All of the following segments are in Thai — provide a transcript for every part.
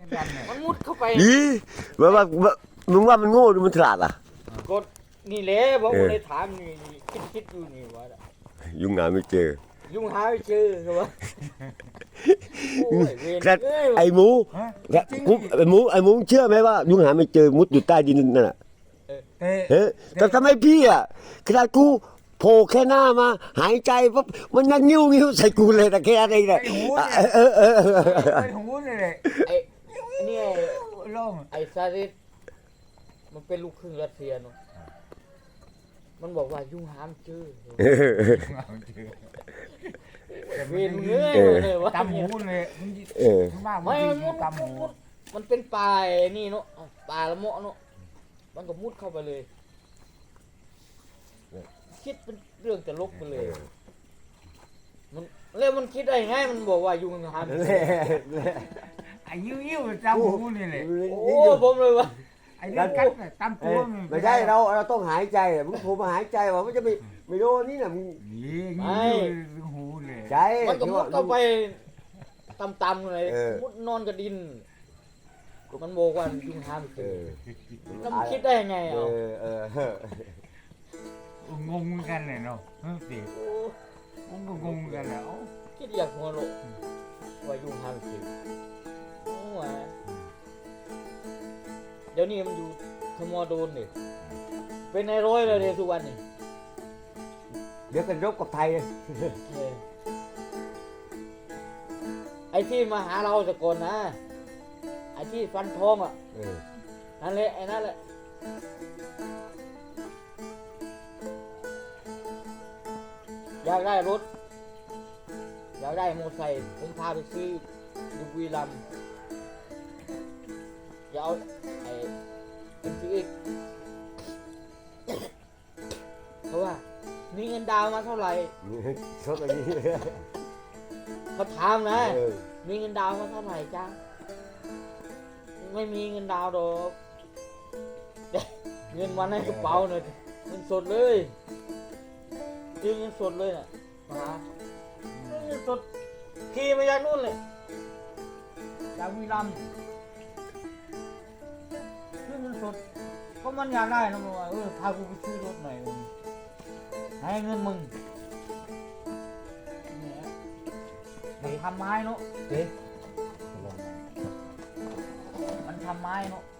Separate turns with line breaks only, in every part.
มันมุดเข้าไป
อีว่ามึงว่ามันโง่หรือมันฉลาดอ่ะ
กดนี่แหละบอกว่าเลยถามนี่คิดอยู่นี่ว่า
ยุ่งงานไม่เจอ
ยุ่งหาไม่เจอครับว่าโอ้ยเวร
แต่ไอ้หมูไอ้หมูเชื่อไหมว่ายุ่งหาไม่เจอมุดอยู่ใต้ดินนั่นน่ะแต่ทำไมพี่อ่ะขนาดกูโผล่แค่หน้ามาหายใจปั๊บมันยังนิ้วใส่กูเลยแต่แค่อะไรเนี่ย
ไอ้หูเนี่ย
ไอ้นี่
ล่อง
ไอ้ซาริสมันเป็นลูกครึ่งรัสเซียเนาะมันบอกว่ายุ่งหามเจอเวรเงยเลยว่า
ตำหูเลยไม่
มันเป็นป่านี่เนาะป่าละเมาะเนาะมันก็มุดเข้าไปเลยคิดเป็นเรื่องจะลบไปเลยมันคิดได้ไงมันบอกว่ายุ่งหาม
ไอ้ยิ้วตำหูนี่เลย
โอ้ผมเลยว่า
ไอ้เรื่องกัดตำตัว
ไม่ใช่เราต้องหายใจมึงโผล่มาหายใจว่ามันจะไม่โดนนี่น่ะมึง
ยิ้วหูเลย
ใจ
มันก็มุดเข้าไปต่ำๆเลยมุดนอนกับดินมันบอกว่ายุ่งหามเจอแล้วมันคิดได้ยังไงอ่ะ
งงกันเลยเนาะสิผมก็งงกันแล้ว
คิดอยากหัวโลว่ายุ่งหามเจอเดี๋ยวนี้มันอยู่ทมโดนเนี่ยเป็นในร้อยเลยเดี๋ยวทุกวันนี่
เดี๋ยวกันรบกับไทย
ไอ้ที่มาหาเราแต่ก่อนนะไอ้ที่ฟันทองอ่ะนั่นแหละไอ้นั่นแหละอยากได้รถอยากได้มอเตอร์ไซค์ผมพาไปซื้อดูบุรีรัมย์จะเอาไอ้เป็นซื้ออีกเพราะว่ามีเงินดาวมาเท่าไหร่
ชอบแบบนี้
เขาถามนะมีเงินดาวมาเท่าไหร่จ้าไม่มีเงินดาวดอกเงินวันในกระเป๋าเนี่ยเงินสดเลยยืมเงินสดเลยน่ะมาเงินสดขี่มาจากนู่นเลยจากบุรีรัมย์ซื้อเงินสดเพราะมันอยากได้นะมึงว่าพากูไปซื้อรถหน่อยให้เงินมึงมันทำไม้เนาะมันทำไม้เนาะ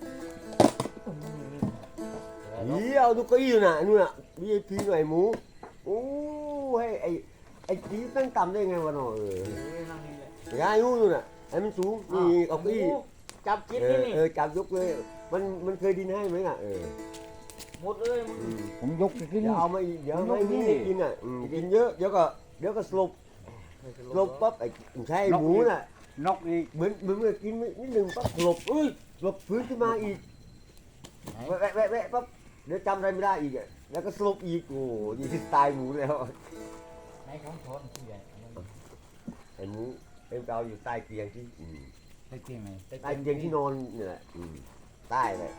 เอาดูก็อยู่น่ะนู่นน่ะ VIP หน่อยหมูโอ้ให้ไอ้จีตั้งต่ำได้ไงวะเนาะยายนู่นน่ะไอ้มันสูงนี่เอาอี้
จับกินนี่
จับยกเลยมันเคยดินให้ไหมอ่ะ
หมดเลย
ผมยกขึ้น
เอามาอีกเดี๋ยวไม่มีกินอ่ะกินเยอะเดี๋ยวก็สลบปั๊บไอ้ใช่หมูน่ะ
นกอีก
เหมือนกินนิดหนึ่งปั๊บสลบฟื้นขึ้นมาอีกแวะปั๊บเดี๋ยวจำอะไรไม่ได้อีกอ่ะแล้วก็สลบอีกโอ้ยที่ตายหมูแล้ว
ไหนของทอนที่ใหญ่
ไอ้หมูเราอยู่ใต้เตียงที่
ใต้เตียงไหน
ใต้เตียงที่นอนนี่แหละใต้เลย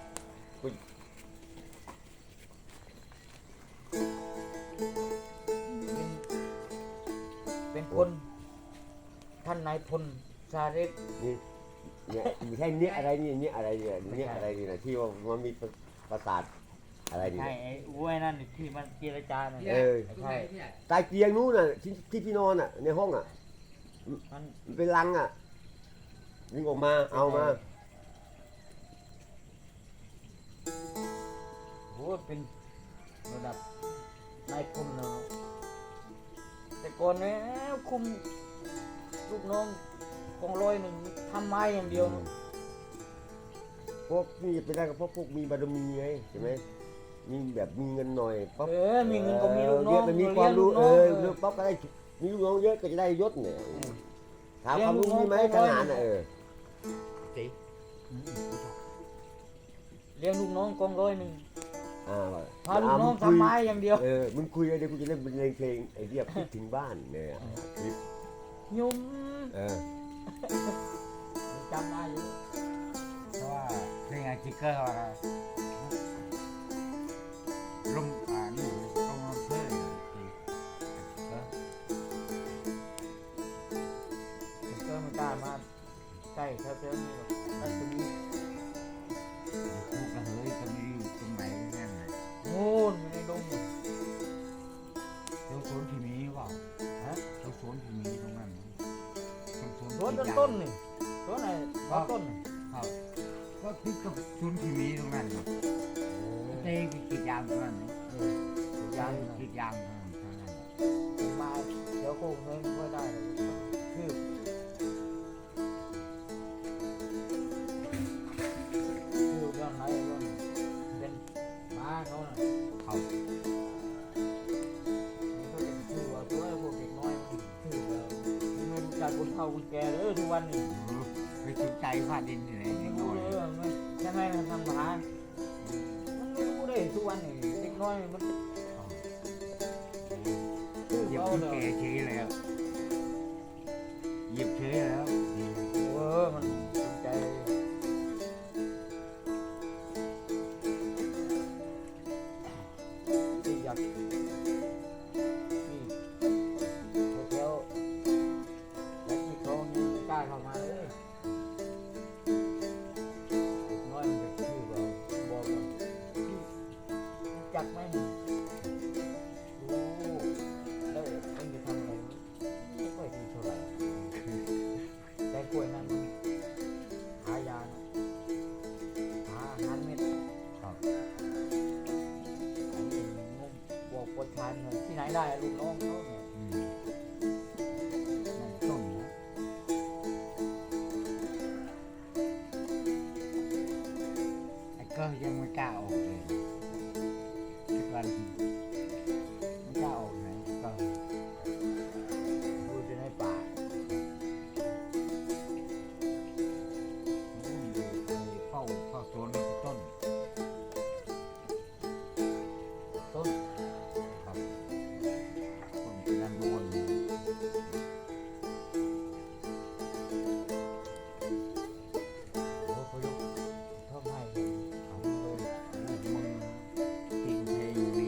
เป็นคนท่านนายพลชาเรศ
เนี่ยไม่ใช่เนี่ยอะไรเนี่ยอะไรนี่นะที่ว่ามันมีประสาทอะไรนี่
ใช่ไอ้อ้วยนั่นที่มันเจรจาเนี่ย
ใช่ใต้เตียงนู้นน่ะที่นอนอ่ะในห้องอ่ะมันเป็นรังอ่ะยิงออกมาเอามา
โหเป็นระดับนายพลเนาะแต่ก่อนเนี่ยคุมลูกน้องกองร้อยหนึ่งทำไม้อย่างเดียว
พวกนี่เป็นได้ก็เพราะพวกมีบารมีไงใช่ไหมมีแบบมีเงินหน่อยปั๊บ
มีเงินก็มีลูกน้อง
มันมีความรู้ปั๊บก็ได้มีลูกน้องเยอะก็จะได้ยศเนี่ยถามความรู้มีไหมขนาดน่ะ
เลี้ยงลูกน้องกองร้อยหนึ่งพาลูกน้องทำไม้อย่างเดียว
มึงคุยเดี๋ยวกูจะเล่นเพลงไอ้เรียบคิดถึงบ้านเนี่ย
ยุ่ม
จำได้อยู่เพราะว่าเพลงจิกเกอร์อะไรลมนี่ลมเพื่อน
ก็ไม่กล้ามาใกล้แถวๆนี้หรอกรัศมี
พวกกระเฮยก็ไม่อยู่ตรงไหนนั่นแหละ
โน่นอยู่ในดง
เจ้าสวนที่มีเปล่าฮะเจ้าสวนที่มีตรงนั้นเจ้าสวน
สวน
ที่
ต้นนี่สวนไหนต้นนี่
ครับก็คือกับสวนที่มีตรงนั้นเต้ไปกรีดยางตรงนั้น
ยาง
กรีดยางตรงนั้น
มาเดี๋ยวคงไม่ได้เลยคือเรื่องอะไรเรื่องเป็นม้าเขาน่ะ
เขา
มันก็เป็นชื่อว่าตัวพวกเด็กน้อยมันชื่อว่ามันไม่รู้จักคนเฒ่าคนแก่เลยทุกวันนี้
ไปสนใจฟ้าดินอยู่ไหน
ไม่
นิดห
รู้
น่อย
เลยมันใช่ไหมมันทำหามันไม่รู้เลยทุกวันนี้เด็กน้อยมันชื่อ
เหยียบ
เขา
ที่
เลย
แก่เฉยแล้วเหยียบเฉยแล้ว
มันสนใจที่อยากนี่แถวๆและที่เขานี่กล้าเข้ามาเลยเด็กน้อยมันจะชื่อว่าบอกว่าพี่รู้จักไหมนี่รู้แล้วเอ็งจะทำอะไรไม่ค่อยดีเท่าไหร่แต่กล้วยนั้นมันหายานะหาอาหารเม็ด
ครับ
อันนี้งงบอกประชานเนี่ยที่ไหนได้ลูกน้องเขาเนี่ย
นั่นต้นนะไอ้ก็ยังไม่กล้าออกเลยทุกวันไม่กล้าออกไหนก็
ดูจะในป่า
เฝ้าสวนที่ต้น
ต้น
ครับต้นด้านบน
โอ้พยุกทำให้เห็นเขาเลย
มึงปีนเพอยู่ดี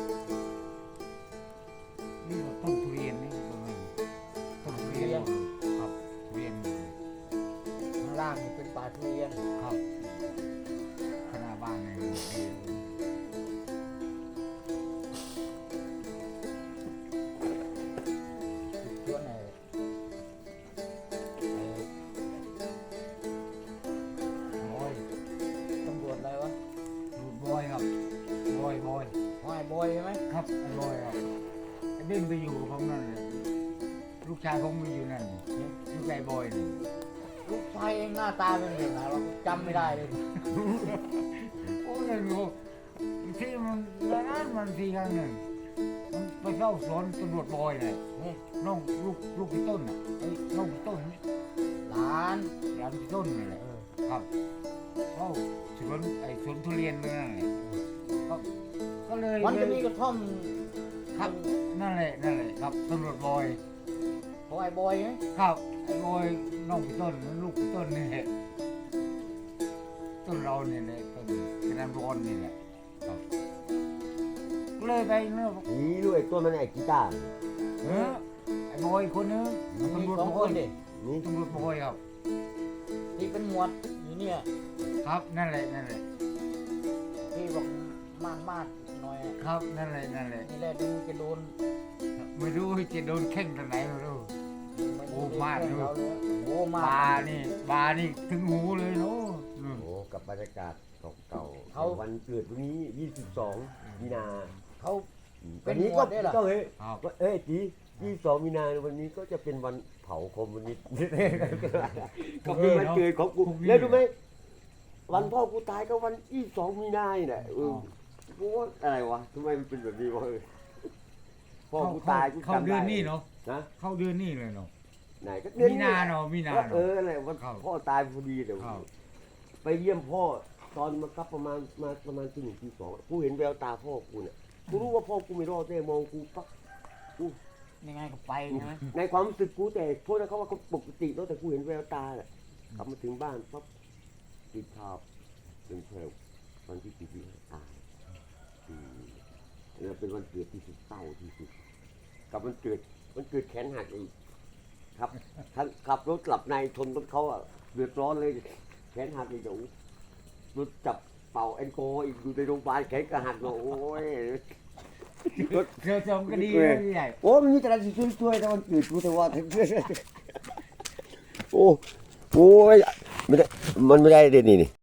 นี่เราต้นทุเรียนนี่ตรงนี้ต้นทุเรียนครับทุเรียน
ข้างล่างนี่เป็นป่าทุเรียน
ครับขนาดบ้านเลย
ส่วนไหนโอ้ยตำรวจอะไรวะ
รูดบอยครับบอย
ห้อยบอยใช่ไหม
ครับไอ้บอยครับไอ้เด่นไปอยู่ของนั่นเลยลูกชายผมไปอยู่นั่นลูกชายบอยนี่
ลูกชายเองหน้าตาเป็นแบบไหนวะจำไม่ได้เลย
โอ้ยไม่รู้ที่มันแล้วนั้นมันทีครั้งหนึ่งมันไปเข้าสวนตำรวจบอยเลย
นี่
น้องลูกพี่ต้นอ่ะไอ้น้องพี่ต้น
หลาน
หลานพี่ต้นนี่แหละครับเข้าสวนไอ้สวนทุเรียนนั่นแหละก็เลย
มันจะมีกระท่อม
ครับนั่นแหละครับตำรวจบอย
ของไอ้บอยไหม
ครับไอ้บอยน้องพี่ต้นลูกพี่ต้นนี่แหละต้นเราเนี่ยแหละต้นกระดานบอลนี่แหละครับก็เลยไปเนาะ
นี่ด้วยตัวมันไอ้กีตาร์
ไอ้บอยคนนึง
มี
ตำรวจ
สอง
บ
ค
อน ย
ดิ
นี่
ตำรวจบอยครับ
ที่เป็นหมวดอยู่เนี่ย
ครับนั่นแหละ
ที่บอกมาดหน่อยอะ
ครับนั่นแหละ
นี่แหละดูจะโดน
ไม่รู้จะโดนแข่งทางไหนไม่รู้ โอ้มาด
เขาเลยโอ้มา
บา
ด
นี่ถึงหูเลยเนาะ
โอ้กับบรรยากาศเก่าๆ
เขา
วันเกิดวันนี้ 22 มีนา
เขา เป็
วัน นนี้
หม
ก็
วดด้วยเหรอ
ก็เฮ้ย
ครับ
เอ้ยจี22 มีนาวันนี้ก็จะเป็นวันเผาคอมมิวนิสต์ ก็เป็นวันเกิดของกูแล้วรู้ไหมวันพ่อกูตายก็วัน22 มีนาเนี่ยกูว่าอะไรวะทำไมมันเป็นแบบนี้วะพ่อกูตายกู
เข้า
จำได้
เดือนนี้เนาะ
นะ
เข้าเดือนนี้เลยเนาะ
ไหนก็
มีนาเนาะมีนา
ก็
เนาะ
อะไรวัน
ครับ
พ่อตายพอดีเดี๋ยว
ครับ
ไปเยี่ยมพ่อตอนมาครับประมาณตี 1 ตี 2กูเห็นแววตาพ่อกูเนี่ยกูรู้ว่าพ่อกูไม่รอดแน่มองกูปั๊บ
ยังไงก็ไปใช่ไหม
ในความรู้สึกกูแต่โทษนะเขาว่าเขาปกติแล้วแต่กูเห็นแววตาแหละกลับมาถึงบ้านปั๊บติดข่าวเป็นเพลวันที่45ตายแล้วเป็นวันเกิดที่สุดเศร้าที่สุดกับวันเกิดแขนหักอีกครับท่านขับรถกลับในชนรถเขาอ่ะเดือดร้อนเลยแขนหักอีกอยู่รถจับเป่าแอลกอฮอล์อีกอยู่ในโรงพยาบาลแขนก็หักโอ้ย
เธอจำก็ดีนะพี่ใหญ่
โอ้มันมีแต่ละช่วยแต่มันเกิดกูแต่ว่าโอ้โอ้ยไม่ได้มันไม่ได้เด่นนี่